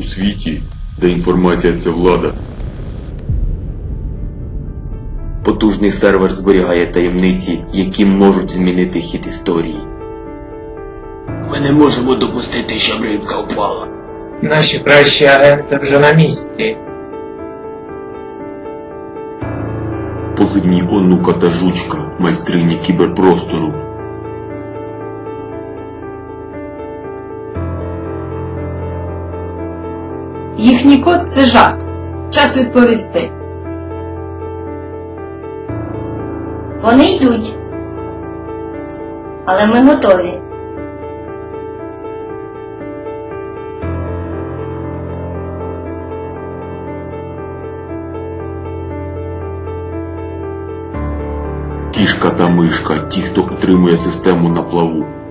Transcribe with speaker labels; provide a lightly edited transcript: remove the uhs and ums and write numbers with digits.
Speaker 1: світі, де інформація – це влада.
Speaker 2: Потужний сервер зберігає таємниці, які можуть змінити хід історії.
Speaker 3: Ми не можемо допустити, щоб рибка впала.
Speaker 4: Наші кращі агенти вже на місці.
Speaker 1: Позивні Онука та Жучка, майстрині кіберпростору.
Speaker 5: Їхній код – це жарт. Час відповісти.
Speaker 6: Вони йдуть. Але ми готові.
Speaker 1: Кішка та мишка – ті, хто утримує систему на плаву.